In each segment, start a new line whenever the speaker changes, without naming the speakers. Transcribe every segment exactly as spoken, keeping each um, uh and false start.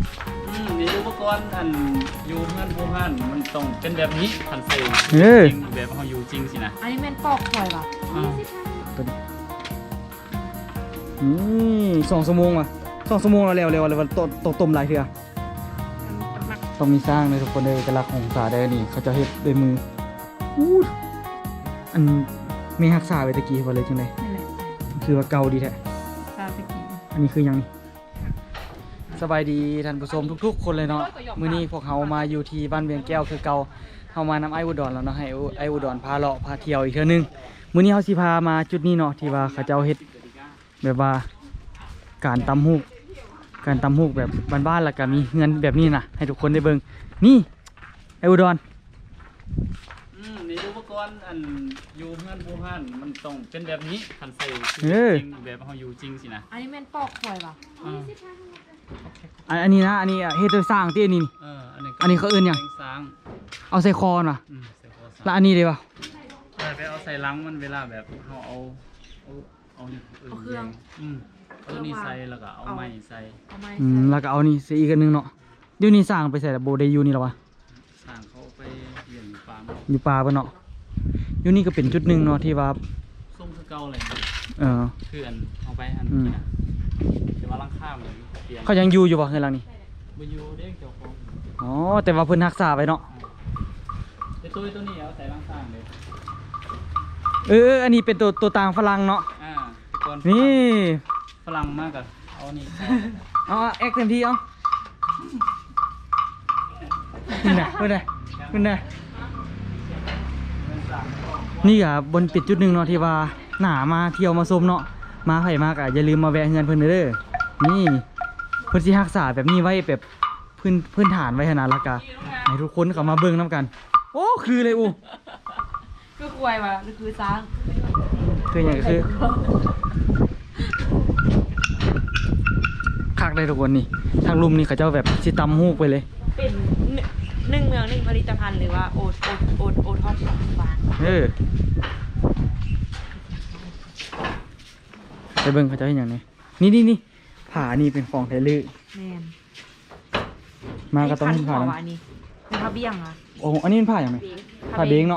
อืมมีอุปกรณ์อันอยู่เพื่อนผู้พันมันต้องเป็นแบบนี้ทันเซล
เออ
จริงแบบเขาอยู่จริงสินะ
อันนี้แม่นปอกข่อยป่ะ
อ้าว
นี่สองชั่วโมงอ่ะสองชั่วโมงแล้วเร็วเร็วเลยวันต้มต้มต้มหลายเถื่อต้องมีสร้างเลยทุกคนเลยเอกลักษณ์ของสาได้นี่เขาจะเฮ็ดด้วยมืออู้อันไม่ฮักษาไว้ตะกี้ว่าเลยจังได
นี่แหละ
คือว่าเก่าดีแท้
ซาสกิ
อันนี้คือหยังนี่สบายดีท่านผู้ชมทุกๆ คนเลยเนาะมื้อนี้พวกเรามาอยู่ที่บ้านเวียงแก้วคือเก่าเฮามานำไอ้อุดรแล้วเนาะให้ไอ้อุดรพาเลาะพาเที่ยวอีกเทื่อนึงมื้อนี้เฮาสิพามาจุดนี้เนาะที่ว่าเขาเจ้าเฮ็ดแบบว่าการตำฮูกการตำฮูกแบบบ้านๆแล้วก็มีเงินแบบนี้นะให้ทุกคนได้เบิ่งนี่ไอ้อุดร
อืมมีอุปกรณ์อันอยู่เพื่อนผู้พันมันต้องเป็นแบบนี้ทันเซล
เออ
จริงแบบเขาอยู่จริงสินะ
อันนี้แม่นปอกข่อยป่ะ
อ้าว
อันอันนี้นะอันนี้อะเฮ็ดโดยสร้างที่อันนี้นี่
เอออันนี้
อันนี้เขาเอิ้นหยัง
แสสาง
เอาใส่คอน่ะ
อืมใส่คอสา
แล้วอันนี้ได้ป่ะ
แต่ไปเอาใส่ลังมันเวลาแบบเขาเอาเอาเอานี่
เอาเครื่อง
อืมเอานี่ใส่แล้วก็เอาไม้ใส่
เอาไม้
อืม
ใส่
แล้วก็เอานี่ใส่อีกอันนึงเนาะเดี๋ยวนี้สร้างไปใส่แต่โบได้อยู่นี่หรอวะ
สร้างเขาไปเลี้ยงฟาร์ม
อยู่ป่าปะเนาะอยู่นี่ก็เป็นจุดหนึ่งเนาะที่ว่า
ส้มคือเก่าเลย
เออ
คืออันเอาไปอัน
อืม
นี้นะแต่ว่าลังข้ามเลยเปลี่ยน
เขายังอยู่อยู่ป่ะเฮือนหลังนี้
บอยู่เด้งเจ้าของ
อ๋อแต่ว่าเพิ่นรักษาไว้เนาะ
ไอ้ตัวตัวนี้เอาใส่ลังข้างเลย
เออเอออันนี้เป็นตัวตัวต่างฝรั่งเนาะ
อ่าแต่ก่อน
นี่
ฝรั่งมากอะเอานี่ใส่
เอาเอาแอคเต็มที่เอาขึ้นนะขึ้นนะขึ้นนะนี่อ่ะบนปิดจุดหนึ่งเนาะที่ว่าหนามาเที่ยวมาชมเนาะมาไผ่มากอ่ะอย่าลืมมาแวะเฮือนเพิ่นเด้อนี่เพิ่นสิรักษาแบบนี้ไว้แบบพื้นพื้นฐานไว้ขนาดละกะให้ทุกคนเข้ามาเบิ่งนํกัน โอ้คือเลยอู
คือข่อยป่ะหรือคือช้าง
คืออย่างคือคักได้ทุกคนนี่ทางลุมนี่เขาเจ้าแบบสิตำฮูกไปเลย
เป็นหนึ่งเมืองหนึ่งผลิตภัณฑ์หรือว่าโอทโอทโอทโอทอปฟาน
เออไปเบิ่งเขาเจ้าเห็นอย่างนี้นี่นี่นี่ผานี่เป็นของไทยลือ
แม่น
มาก็ต้อง
ไอ้
เห็น
คั
ผาน
หัว
นั้น
ว่ะอันนี้เป็นผ้าเบี้ยงอ่ะ
โอ้อันนี้เป็นผ้าอย่างไรผ้าเบงเนาะ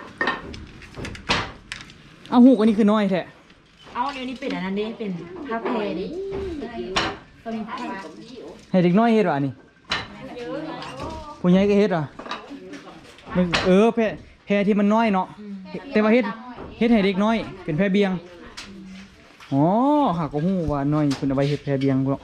เอาหูกอันนี้คือน้อยแท้
เอาเดี๋ยวนี้เป็นอันนั้นดิเป็นผ้าแพรดิก็มีผ้า
ให้เด็กน้อยเฮ็ดวะอันนี้ผู้ใหญ่ก็เฮ็ดวะมันเออแพรแพรที่มันน้อยเนาะแต่ว่าเฮ็ดเฮ็ดให้เด็กน้อย เป็นแพรเบียงอ๋อหากก็หูว่าน้อยคุณเอาไปเฮ็ดแพรเบียงบ่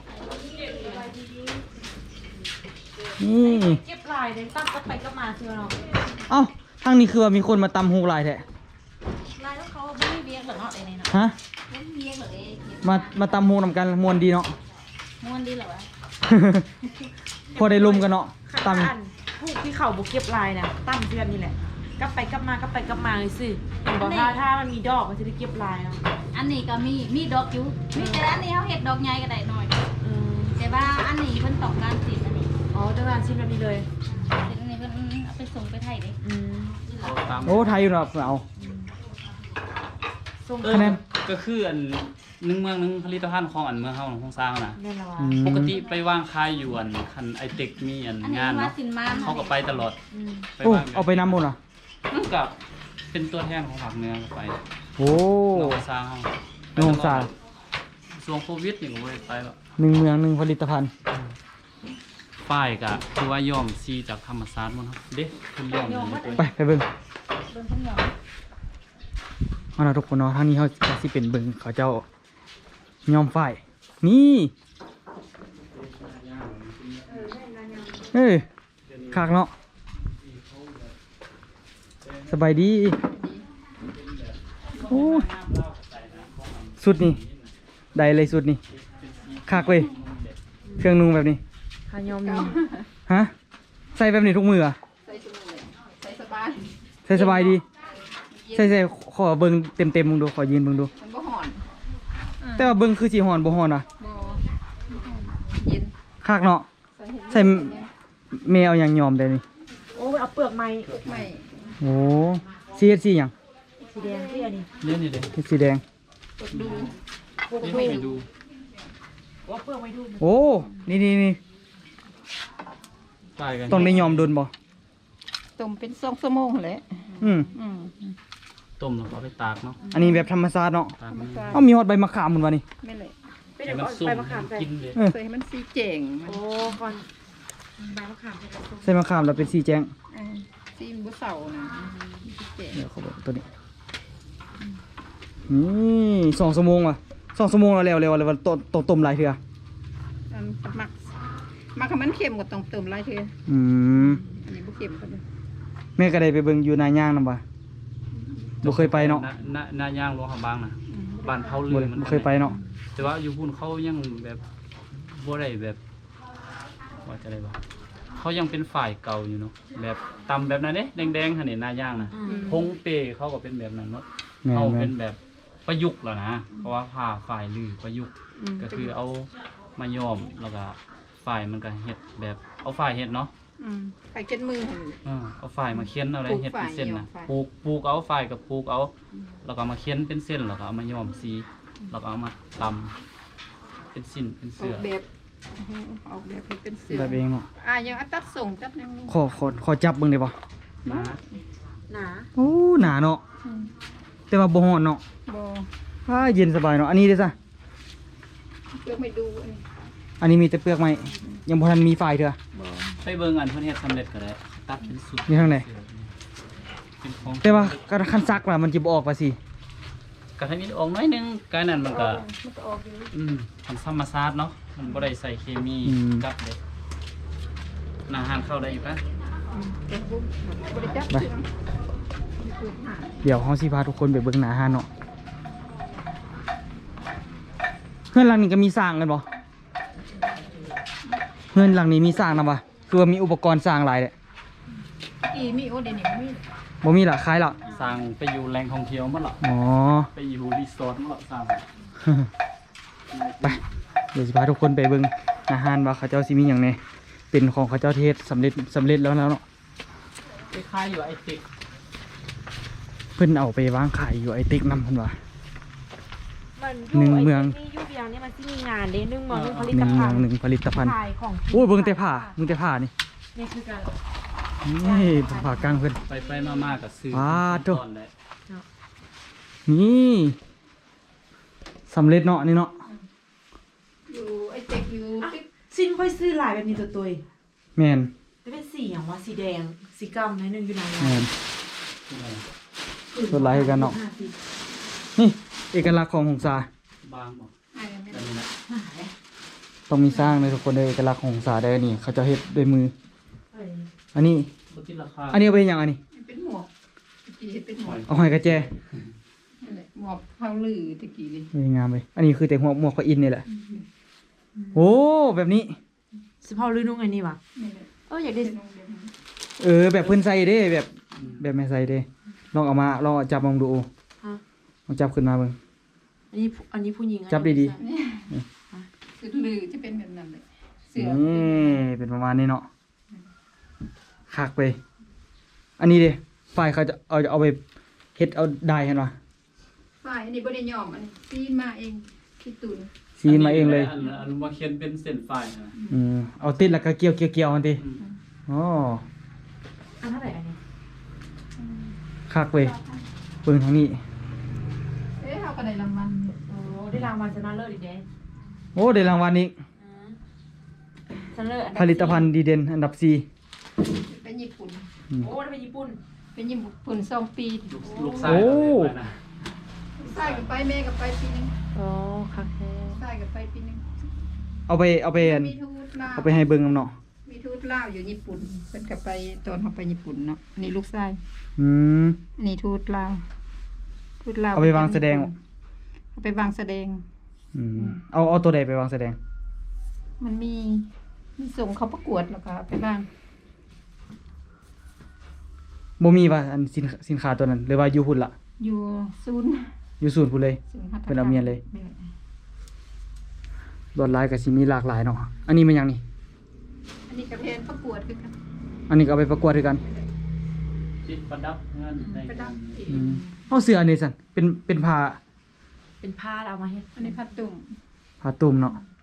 นี่
เก็บลายเลยตั้งก็ไปก็มาเชื่อเนาะ
เอ้าทางนี้คือว่ามีคนมาตำหูกหลายแท้
ลายแล้วเขาไม่ได้เบี้ยงเหรอเนาะไอ้นี่เนาะ
ฮะ
ไม่ได้เบี้ยงเหรอเอ้
มามาตำหูกนำกันมวนดีเนาะ
ม้วนดีเหรอวะ
พอได้ลุมกันเนาะต
ตำผู้ที่เขาบุกเก็บลายนะตั้มเพื่อนนี่แหละกลับไปกลับมากลับไปกลับมาเลยสิเห็นบอกถ้าถ้ามันมีดอกมันจะได้เก็บลายเนาะ
อันนี้ก็มีมีดอกอยู่มีแต่อันนี้เขาเห็ดดอกใหญ่ก็ได้หน่อย
อืม
แต่ว่าอันนี้เพิ่นต้องการสีอันนี้
อ๋อเจ้าหน้าชิ้นแบบนี้เลย
สีอันนี้เพิ่นเอาไปส่งไปไทยเด้
อืม
เอาตาม
ำโอ้ไทยอยู่เนาะเอา
ส่ง
เออ
คะแนน
ก็คืออันหนึ่งเมืองหนึ่งผลิตภัณฑ์ของอันเมืองเฮาของสร้างนะ
แน่นอน
อืม
ปกติไปวางขายอยู่อันคันไอเต็กมีอัน
อันนี้
งาน
ว่า
เนาะ
สินมาน
เขาก็ไปตลอด
อืม
ไป
โอ้
วาง
เอาไปน้ำบนเหรอ
นั่นกับเป็นตัวแทนของภาคเหนือก็ไป
โอ้
เราสร้างเฮา
โน่นสร้าง
ช่วงโควิดนี่ก็บ่ได้ไปหรอก
หนึ่งเมืองหนึ่งผลิตภัณฑ์
ป้ายก็คือว่าย่อมซีจากธรรมศาสตร์หมดครับเด้เพิ่นย่อมอยู่ในตัว
ไปไปเบิ่ง
เบิ่งเพิ่นหยอง
เอาล่ะทุกคนเนาะทางนี้เขาจะสิเป็นเบิ่งเขาเจ้าย่อมฝ้ายนี่เอ้ยคักเนาะสบายดีโอ้ยสุดนี่ได้เลยสุดนี่คักเลยเครื่องนุ่งแบบนี้
ขายอมนี่
ฮะใส่แบบนี้ทุกมืออะ
ใส่ชุดเลยใส่สบาย
ใส่สบายดีใส่ใส่ขอเบิ่งเต็มเต็มๆมึงดูขอยืนมึงดู
มันบ่หอน
แต่ว่าเบิ่งคือสีหอนบ่หอนอ่ะ
บ่เย็น
คักเนาะ
ใส่เห็ด
ใส่แมวอย่างยอมได้นี่
โอ้ยเอาเปลือกไม้
ไม่
โอ้สีเฮ็ดสีหยัง
สีแดงที่อันนี้
เล่นนี่เด้
เฮ็ดสีแดง
กดดู
พวก
นี่
ดู
ให้ดู
เอาเปลือกไม้ดู
โอ้นี่นี่นี่
ปลายกัน
ต้องได้ยอมโดนบ่
ต้มเป็นสองชั่วโมงแหละ
อืม
อืม
ต้มแล้วก็เอาไปตากเนาะ
อันนี้แบบธรรมชาติเนาะ
ตากมัน
เอ้ามีฮอดใบมะขามหมดวะนี่
ไม่เลย
ไม่
ให้
ได้
มัน
เอา
สุก
ไปมะขามใส่
กินเลย
เออ
เคยให้มันสีแจ่งมัน
โอ้ก่อนใบมะขามใส่กระตุ้น
ใส่มะขามแล้วเป็นสีแจ้ง
เออสีมันบุเสานะสีแจ่ง
เดี๋ยวเขาบอกตัวนี้นี่สองชั่วโมงว่ะสองชั่วโมงแล้วแล้วแล้วแล้วต้มต้มต้มหลายเทื่อ
อันหมักหมักให้มันเค็มกว่าต้องเติมหลายเทื่อ
อืม
อันนี้บุเค็มก็ได้
แม่ก็ได้ไปเบิ่งอยู่นาย่างนำบ่บ่เคยไปเนาะ
หน้าหน้าย่างหลวงเขาบางนะ
อืม
บ้านเผา
บ่
เรือ
ได้
มัน
บ่เคยไปเนาะ
แต่ว่าอยู่พุ่นเขายังแบบบ่ได้แบบว่าจะได้บ่เขายังเป็นฝ่ายเก่าอยู่เนาะแบบตำแบบนั้นเด้แดงๆหั่นนี่หน้าย่างนะ
อืม
พงเปเขาก็เป็นแบบนั้นเนาะ
แม่
เขา
นแม่
เป็น นแบบประยุกต์แล้วนะเพราะว่าผ่าฝ่ายลือประยุกต์
อืม
ก็คือเอามาย้อมแล้วก็ฝ่ายมันก็เฮ็ดแบบเอาฝ่ายเฮ็ดเนาะ
อืมไข่เจ็ดมือหั่น
เออเอาฝ่ายมาเขียนเอาอะไร
ปลูก
เฮ็ดเป็นเส้นนะ
ฝ่าย
ปลูกปลูกเอาฝ่ายกับปลูกเอาแล้วก็มาเขียนเป็นเส้นแล้วก็เอามาย้อมสีแล้วก็เอามาตำเป็นสิ้นเป็น
ออ
เสื้อก
แบบออกแบบให้เป็นเสือ
แบบเองเนาะ
อ่ะยังเอาตัดส่งตัดแนวนี้
ขอขอขอจับเบิ่งได้บ่
นะ
หนา
โอ้หนาเนาะ
อืม
แต่ว่าบ่ฮ้อนเนาะ
บ่
อ่าเย็นสบายเนาะอันนี้เด้อซะ
เพื่อไม่ดูอันนี้
อันนี้มีแต่เปลือกไม้ยังบ่ทันมีฝ่ายเด้อ
บ่
ไปเบิ่งอันเพิ่นเฮ็ดสำเร็จก็ได้ตัดเป็นสุด
มีทางไหน
เป็นของ
แต่ว่าคันซักล่ะมันสิบ่ออกว่าสิ
ก็ให้มีออกหน้อยหนึงกายนั้นมันก็
มันก็ออกอยู่
อืมทำธรรมชาติเนาะมันบ่ได้ใส่เคมีกับเลยอาหารเข้าได้อยู่ปะ
อืมแต่บุ้มบ่ได้จับ
ไป
เสือมีปืนหา
เดี๋ยวเฮาสิพาทุกคนไปเบิ่งหน้าห้านเนาะเฮือนหลังนี้ก็มีสร้างกันบ่เฮือนหลังนี้มีสร้างนำบ่คือว่ามีอุปกรณ์สร้างหลายแหละ
อีมีโอเดยวนี่มี
บ่มีละคล้ายละ
สร้างไปอยู่แหล่งท่องเที่ยวมั้งหรอ
อ๋อ
ไปอยู่รีสอร์ทมั้งหรอสร้าง
ไป เดี๋ยวจะพาทุกคนไปเบิ่งอาหารว่าเขาเจ้าสิมีอย่างไงเป็นของเขาเจ้าเทศสำเร็จสำเร็จแล้วแล้วเนาะ
ไปคล้ายอยู่ไอติก
เพิ่นเอาไปวางขายอยู่ไอติ๊กนำเพิ่นว่า
มัน
หนึ่งเมือง
นี่ยูเบียงนี่มันที่มีงานเด้หนึ่งเมืองหนึ่งผลิ
ห
ต
นึ่ง
ภั
เมือง
ณฑ์
หนึ่งผลิตภัณฑ์
ขายของ
โอ้ยเบิ่งแต่ผ้าเบิ่งแต่ผ้านี่
นี่คือการ
นี่ผ้ากลางเพิ่น
ไปไปมามากับซื้อ
ว้าโถ่
ตอนแหละ
นี่สำเร็จเนาะนี่เนาะ
อยู่ไอ้เต็กอยู่
อ่ะ
ติ๊ก
สิ้นค่อยซื้อลายแบบนี้ตัวตัว
แม่น
จะเป็นสีอย่างว่าสีแดงสีกำในหนึ่งอยู่ใน
แม่น
นั้น
ส่วนลายคือกันเนาะ นี่เอกลักษณ์ของหงสา
บางบอก
อ่ะยังไม่
แต่
ได้
นี่แหละ
ต้องมีสร้างเลยทุกคนเลยเอกลักษณ์ของหงสาได้อนี่ เขาเจะเฮ็ดด้วยมือ อันนี้
ลดที่ราคา
อันนี้เอาไปอย่างอันนี้
เป็นหมวกตะกี้เป็นหมวก
เอาหอยกระแจ
นั่นแหละหมวกเผาลือตะกี้นี่
นี่งามเลยอันนี้คือแต่หัวหมวกพระอินทร์นี่แหละ โอ้แบบนี้
สิพอลือนุ่งไงนี่วะ
นี่แหละ
เอออยากได้
เป็นโรงเรียนนั้น
เออ แบบเพิ่นใส่เด้แบบ แบบแม่ใส่เด้ลองเอามาลองเอาจับลองดู
ฮะ
ลองจับขึ้นมาเบิ่ง
อันนี้ผู้อันนี้ผู้หญิงอันนี้
จับดี
คือลือจะเป็นแบบนั้นเลยเสือ
นี่เป็นประมาณนี้เนาะคักไป อันนี้เด้ฝ่ายเขาจะเอาเอาไปเฮ็ดเอาได้เห็นป่ะ
ฝ่ายอันนี้บ่ได้ยอมอันนี้ซีนมาเองคิดตุน
ซีนมาเองเลย
อันอันว่าเขียนเป็นเส้นไฟนะ
อืมเอาติดแล้วก็เกี่ยวเกี่ยวเกี่ยวมันติ
อืม
อ๋อ
อันเท่าไหร่อันนี้
คักเว้ยเบิ่งทางนี้
เอ๊ะเฮาก็ได้รางวัลเนี่ย
โอ้ได้รางวัลชนะเลิศอีกเด้
โอ้ได้รางวัลอีก
อืมชนะเลิศอันดับ
ผลิตภัณฑ์ดีเด่นอันดับสี่
เป็นญี่ปุ่น
โอ้ได้ไปญี่ปุ่น
เป็นญี่ปุ่นสองปี
ลูกลูกชายเราเลยไปนะ
ใส่กับไปแม่กับไปปีนึง
โอ้คักแท้
ใส่กับไปปีนึง
เอาไปเอาไปอัน
มีทูตลาว
เอาไปให้เบิ่งนำเนาะ
มีทูตลาวอยู่ญี่ปุ่นเพิ่นก็ไปตอนเฮาไปญี่ปุ่นเนาะอันนี่ลูกชาย
อืม
อันนี้ทูตลาวทูตลาว
เอาไปวางแสดง
เอาไปวางแสดง
อืมเอาเอาตัวใดไปวางแสดง
มันมีมีส่งเขาประกวดแล้วก็เอาไปบ้าง
บ่มีว่าอันสินสินค้าตัวนั้นหรือว่าอยู่พุ่นล่ะ
อยู่ศูนย์
อยู่ศูนย์พุ่นเลย
ศูนย์หัตถกรร
เป็นเอาเมียนเลย
แม่
ลวดลายก็สิมีหลากหลายเนาะอันนี้มันหยังนี่
อันนี้กระเพนประกวดคือกัน
อันนี้ก็เอาไปประกวดคือกัน
ติดประดับเงินใน
ประดับเอ
อื
ง
มเอาเสื้ออันนี้สั่นเป็นเป็นผ้า
เป็นผ้าแล้วเอามาให้
อันนี้ผ้าตุ่ม
ผ้าตุ้มเนาะ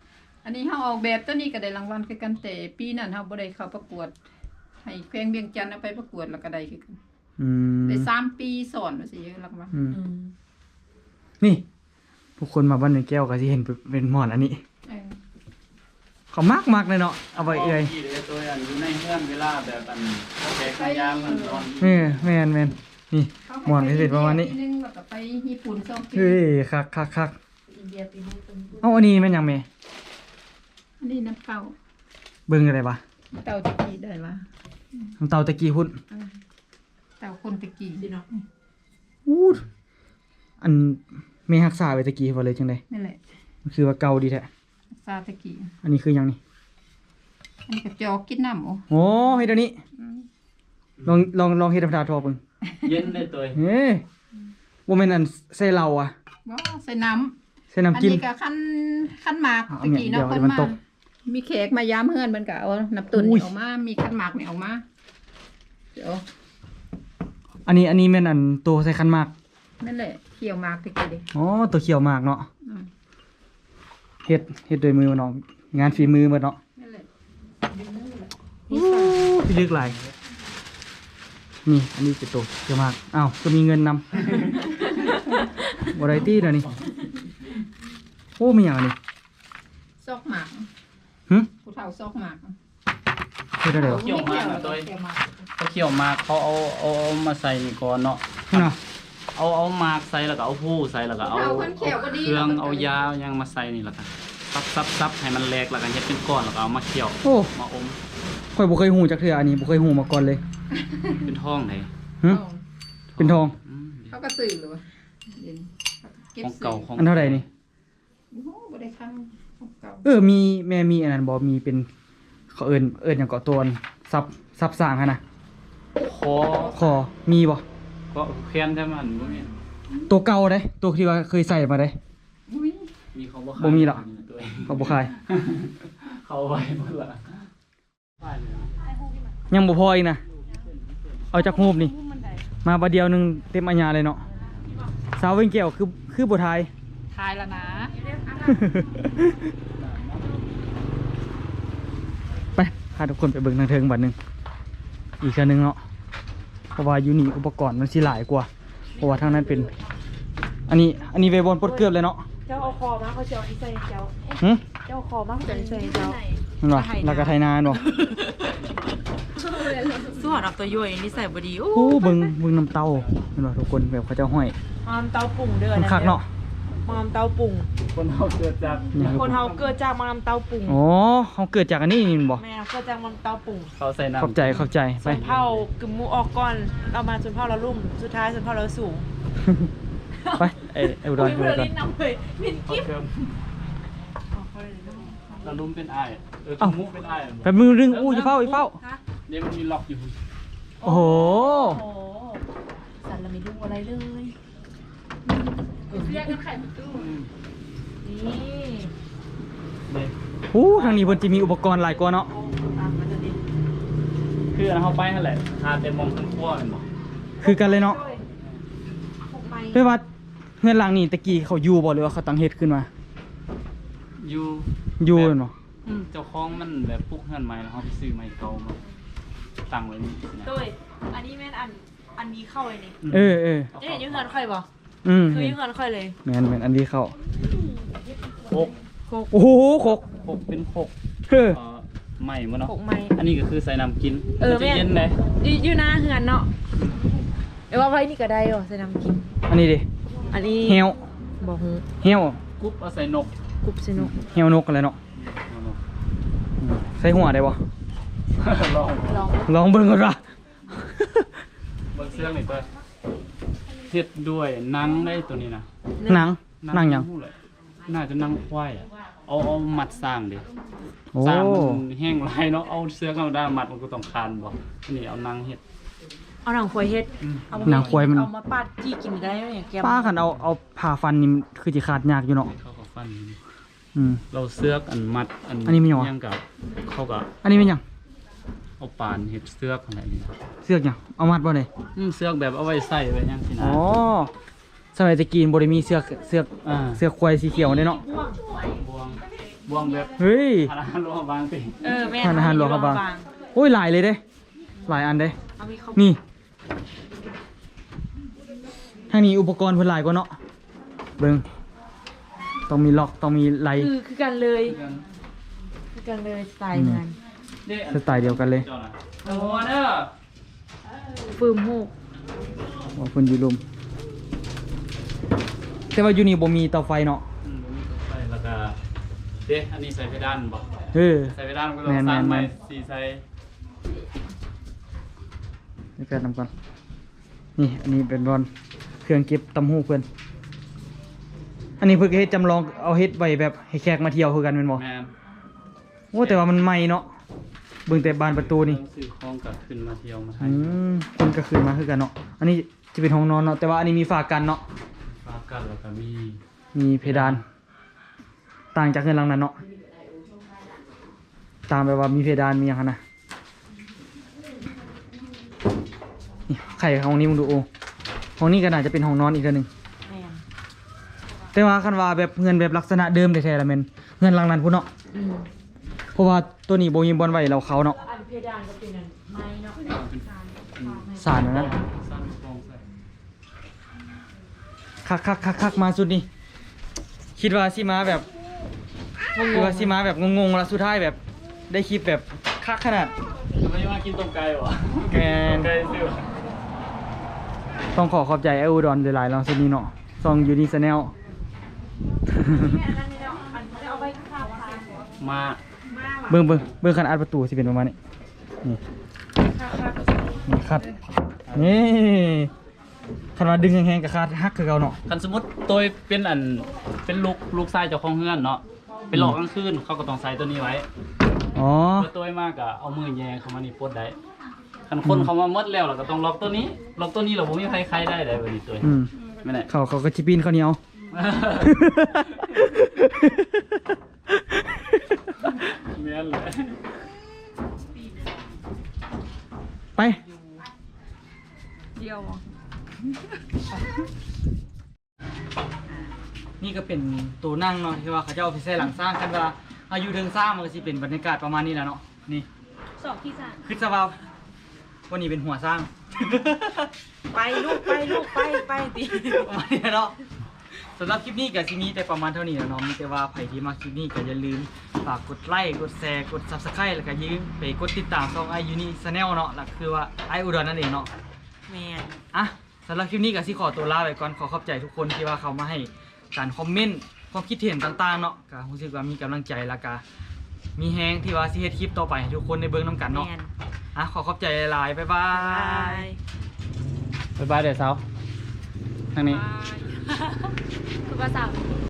อันนี้เฮาออกแบบตัวนี้ก็ได้รางวัลคือกันแต่ปีนั้นเฮาบ่ได้เข้าประกวดให้แขวงเวียงจันทน์เอาไปประกวดแล้วก็ได้คือกัน
อืม
ได้สามปีสอนว่าสิรางวัล
อืม
อืม
นี่ผู้คนมาบ้านเวียงแก้วก็สิเห็นเป็นหมอนอันนี้
เออ
เขามากมากเลยเนาะเอาไปเอ่ย
ที่เด้ตัวอันอยู่ในเฮือนเวลาแบบอันแขกมายามมันนอน
เออแมนแมนนี่หมอนพิเศษประมาณนี้
ปีนึงแล้วก็ไปญี่ปุ่นสองปี
เฮ้ยคักคักคัก
อินเดียปีนี้เป็น
เอาอันนี้แม่นยังแม่
อันนี้น้ำเต้า
เบิ่งอะไรปะ
เต้าตะกี้ได้ละ
น้ำเตาตะกี้พุ่น
เต้าคนตะกี้
สิเนาะ
อู้ดอันแม่ฮักษาไว้ตะกี้บ่เลยจังได๋
นั่นแหละ
มันคือว่าเก่าดีแท้
ซาตะกี้
อันนี้คือหยังนี่
อันนี้ก็จอกกินน้ำโอ้
โอ้เฮ็ดอันนี้ ลองลองลองเฮ็ดธรรมดาทอเบิ่ง
เย็นได้ตัว
เฮ้ยบ่แม่นอันใส่เหล้าอ่ะ
บ่ใส่น้ำ
ใส่น้ำ
อัน
กิน
นี้ก็ขั้นขั้นหมาก
เอา
ตะกี้
เนี่ย
เนาะ
เดี๋
ค
ยวน มัน
มา
ตก
มีแขกมายามเฮือนมันก็เอาน้ำตุน
อุ้ย
นี่ออกมามีขั้นหมากนี่ออกมาเดี๋ยว
อันนี้อันนี้แม่นอันตัวใส่คันหมาก
นั่นแหละเขี่ยวหมากตะกี้เด้
อ๋อตัวเขียวหมากเนาะ
อืม
เฮ็ดเฮ็ดด้วยมือเนาะงานฝีมือหมดเนาะ
นั่นแหละ
โอ้พี่ลึกหลายนี่อันนี้เป็นตัวเขียวหมากอ้าวก็มีเงินนำ วาไรตี้เดี๋ยวนี้โอ้มีอย่างอันนี้
ซอกหมาก
หึ
ผู้เฒ่าซอกหมาก
เฮ็ดได้เดี๋ยว
เขี่ยวมากนะตัว
เขี่ยวหมาก
เขาเขี่ยวมากเขาเอาเอาเอามาใส่นี่ก่อนเนาะ
เนาะ
เอาเอามากใส่แล้วก็เอาผู้ใส่แล้วก็เอา
ผู้
เอา
ฒ่าคนเขี่ยวก็ดี
เครื่องเอายายังมาใส่นี่แล้วกันซับซับซับให้มันแหลกแล้วกันเฮ็ดเป็นก้อนแล้วก็เอามาเคี่ยว
โอ้
มาอม
ข่อยบ่เคยหูจักเทื่ออันนี้บ่เคยหูมาก่อนเลย
เป็นท้องไหน
หึเป็นทอง
อืม
เขาก็ซื้อเลยวะเดี๋ยวนี้เก็บ
ของ
ซื้
เก่าของ
อันเท่าไหร่นี่
โอ้โหบ่ได้คังของเก่า
เออมีแม่มีอันนั้นบ่มีเป็นเขาเอิ้นเอิ้นหยังเกาะตัวซับซับสร้างหั่นน่ะ
คอ
คอมีบ่
ก็แค้นใช่มั้ยบ่มี
ตัวเก่าเด้ตัวที่ว่าเคยใส่มาเด้
อุ้ย
มีเขาบ่
บ่มีหรอ
ตัวเอง
เขาบ่ขาย
เขาไว้หมดละ
ยังบ่พออีกนะเอาจากรูปนี่ มาบาเดียวหนึงเต็มอัญญาเลยเนาะสาวเวงแก้วคือคือบ่ทาย
ทายแล้วนะ
ไปพาทุกคนไปเบิ่งทางเทิงบัดหนึงอีกอันหนึงเนาะเพราะว่าอยู่นี่อุปกรณ์มันสิหลายกว่า เพราะว่าทางนั้นเป็น อันนี้อันนี้เวบอลปลดเกือบเลยเนาะ
เจ้าเอาคอมาเขาจะเอาอีใส่เจ้า
หึ
เจ้าเอาคอมาเขาจะเอาอีใส่เจ้า
นั่นว่ะแล้วก็ไทยนานบ่
ส่วนเอาตัวย่อยนี่ใส่บดีโอ้
โอ้เบิ่งเบิ่งน้ำเต้านั่นว่ะทุกคนแบบเขาเจ้าห้อย
มามเตาปุ่งเด้อ
มันคักเนาะ
มามเตาปุ่ง
คนเขาเกิดจาก
นี่คือ
คนเฮาเกิดจากมามเตาปุ่ง
อ๋อเขาเกิดจากอันนี้นี่บ่
แม่เกิดจากมามเตาปุ่ง
เขาใส่น้ำ
เข้าใจเข้าใจไป
ส่วนเผากึมมูออกก่อนเรามาส่วนเผาเราลุ่มสุดท้ายส่วนเผาเราสูง
ไปไอ้ไอ้อุดรอยู่อุดร
ลิ้นน้ำเลยมิน
เขา
กิ๊บ
เคิมเราลุ้มเป็นอ้ายเออ
เอ้า
มุกเป็นอ้าย
แป๊บมือนึงอู้อย่าเฝ้าอย่าเฝ้า
ฮะ
เนี่ยมันมีล็อกอยู่
โอ้โห
โอ้โหสันเราไม่ดูอะไรเลย
เรียกกันไข่ประตู
นี่
เนี่ย
อู้ทางนี้เพิ่นจะมีอุปกรณ์หลายกว่าเนาะ
ตามมาจะดิ
คืออันเขาไปนั่นแหละหาแต่มองทั้งขั้วเห็นบ่
คือกันเลยเนาะ
หกไม้
ด้วยว่าเฮือนหลังนี่ตะกี้เขาอยู่บ่หรือว่าเขาตั้งเฮ็ดขึ้นมา
อยู่
อยู่เนาะ
อืมเจ้าของมันแบบปลุกเฮือนใหม่แล้วเขาไปซื้อไม้เก่ามาตั้งไว้นี่นะ
โดยอันนี้แม่นอันอันนี้เข้าเลยนี่
เออเออ
จะเห็นอยืงเงินค่อยบ่
อืม
คืออยืงเงินค่อยเลย
แม่นแม่นอันนี้เข้า
โคก
โคก
โอ้โหโคก
โคกเป็นโคก
เฮ้อ
เอ่อใหม่มาเนาะ
โคกไม้
อันนี้ก็คือใส่น้ำกิน
เออ
มันจะ
แม่
เย็นเลย
อยู่อยู่หน้าเฮือนเนาะเดี๋ยวว่าไว้นี่ก็ได้เหรอใส่น้ำกิน
อันนี้ดิ
อันนี้
เหี่ยว
บอกฮู
เหี่ยว
กุ๊บเอาใส่นก
กรุบสนุก
เหี่ยวนกอะไรเนาะ
เอานก
อืมใส่หัวได้บ่
ลอง
ลอง
ลองเบิ่งก่อนว่ะ
เบิ่งเสื้อหน่อยเปิดเฮ็ดด้วยหนังได้ตัวนี้นะ
หนังหนังหยัง
หู้เลยน่าจะหนังควายอะเอาเอามัดสร้างดิ
โอ้
สร้างมันแห้งลายเนาะเอาเสื้อกันได้มัดมันก็ต้องคานบ่อันนี้เอาหนังเฮ็ด
เอาหนังควายเฮ็ด
อืม
เอามา
หนังควายมัน
เอามาปาดจี้กินได้ไหมอย่างแกม
ป้าคันเอาเอาผ่าฟันนี่มันคือสิขาดยากอยู่เนาะ
เขาก็ฟัน
อืม
เราเสื้อกอันมัดอัน
อันนี้มีหยังวะ
ยังกับเขาก็
อันนี้เป็นหยัง
เอาปานเฮ็ดเสื้อกอะไรนี่ครับ
เสือกหยังเอามัดบ่ได้
อืมเสื้อกแบบเอาไว้ใส่ไว้ยังสินะ
อ๋อสมัยตะกี้บ่ได้มีเสือกเสือก
อ่า
เสือกควายสีเขียวเด้เนาะ
บวงบวงแบบ
เฮ้ย
อาหารรวมบางติ
เออแม่
ทานอาหารหลวงพระบางโอ้ยหลายเลยเด้หลายอันเด้
เอามีเขา
นี่ทางนี้อุปกรณ์เพิ่นหลายกว่าเนาะเบิ่งต้องมีล็อกต้องมีไหล
คือคือกันเลยคือกันเลยสไตล์งาน
สไตล์เดียวกันเลย
โอ้เด้อ
ฟืมหูก
ว่าเพิ่นอยู่รุมแต่ว่าอยู่นี่บ่มีเตาไฟเนาะ
อืมมีตัวไฟแล้วก็เด้อันนี้ใส่เพดานบ่
เออ
ใส่เพดานก็ต้องสร้างใหม่สีใส่
นี่แป๊บนำก่อนนี่อันนี้เป็นบอลเครื่องเก็บตำหูเพิ่นอันนี้เพิ่นก็เฮ็ดจำลองเอาเฮ็ดไว้แบบให้แขกมาเที่ยวคือกันแม่นบ่
แม่น
โอ้แต่ว่ามันใหม่เนาะเบิ่งแต่บานประตูนี่
ซื้อของก็ขึ้นมาเที่ยวมาให้
อืมคนก็คืนมาคือกันเนาะอันนี้จะเป็นห้องนอนเนาะแต่ว่าอันนี้มีฝากันเนาะ
ฝากกันแล้วก็มี
มีเพดาน ต่างจากเงินหลังนั้นเนาะต่างแบบว่ามีเพดานมีอย่างนั้นนะนี่ไข่ห้องนี้มึงดูโอห้องนี้ก็น่าจะเป็นห้องนอนอีกอันหนึ่ง
แม่น
แต่ว่าคันว่าแบบเงินแบบลักษณะเดิมแท้ๆละแม่นเงินหลังนั้นพุ่นเนาะ
อืม
เพราะว่าตัวนี้โบยิมบอลไว้เราเขาเนาะ
อันเพดานก็เป็นอันไม้เนาะ
สารอันนั้น
สร้างฟองใส่
คักคักคักคักมาสุดนี่คิดว่าสิมาแบบคิดว่าสิมาแบบงงๆแล้วสุดท้ายแบบได้คลิปแบบคักขนาด
ไม่มากินต้มไก่บ่
แกน
ไก่ซื้อ
ต้องขอขอบใจไออูดอนหลายๆเราสุดนี้เนาะซองยูนิสแนล
แม่อันนั้นนี่เนาะอันนี้เอาไว้ข้าวค่ะ
มา
มาว่ะ
เบิ่งเบิ่งเบิ่งคันอัดประตูสิเป็นประมาณนี้นี่
ข้าวข้าวก็
นี่คัดนี่คันว่าดึงแห้งๆกับคาดฮักคือเก่าเนาะ
คันสมมุติตัวเป็นอันเป็นลูกลูกชายเจ้าของเฮือนเนาะเป็นหลอกกลางคืนเขาก็ต้องใส่ตัวนี้ไว้
อ๋อ
เพื่อตัวมากก็เอามือแยงเข้ามานี่ปลดได้คันคนเขามาหมดแล้วเราก็ต้องล็อกตัวนี้ล็อกตัวนี้เราบ่มีใครใครได้ได้บัดนี้ตัว
อืม
ไม่ได้
เขาเขาก็จิปีนข้าวเหนียว
แม่นเลย
ไป
เดียว
นี่ก็เป็นตัวนั่งเนาะที่ว่าเขาจะเอาไปใส่หลังสร้างกันว่าอายุเทิงสร้างมันก็สิเป็นบรรยากาศประมาณนี้แหละเนาะนี่
สองที่สาม
คือสภาพวันนี้เป็นหัวสร้าง
ไปลูกไปลูกไปไปดิ
ประมาณนี้เนาะสำหรับคลิปนี้กับซีนี้แต่ประมาณเท่านี้แล้วเนาะมีแต่ว่าใครที่มาคลิปนี้ก็อย่าลืมฝากกดไลค์กดแชร์กด ซับสไครบ์ แล้วก็อย่าลืมไปกดติดตามช่องไอยูนี่ชาแนลเนาะหลักคือว่าไออุดรนั่นเองเนาะ
แม่น
อ่ะสำหรับคลิปนี้ก็สิขอตัวลาไปก่อนขอขอบใจทุกคนที่ว่าเขามาให้การคอมเมนต์ความคิดเห็นต่างๆเนาะก็รู้สึกว่ามีกำลังใจแล้วก็มีแฮงที่ว่าสิเฮ็ดคลิปต่อไปให้ทุกคนได้เบิ่งนํกันเนาะ
แม่น
อ่ะขอขอบใจหลายๆบ๊ายบา
บาย
ย
บ๊ายบายเด้อสาวทางนี้
คือภาษา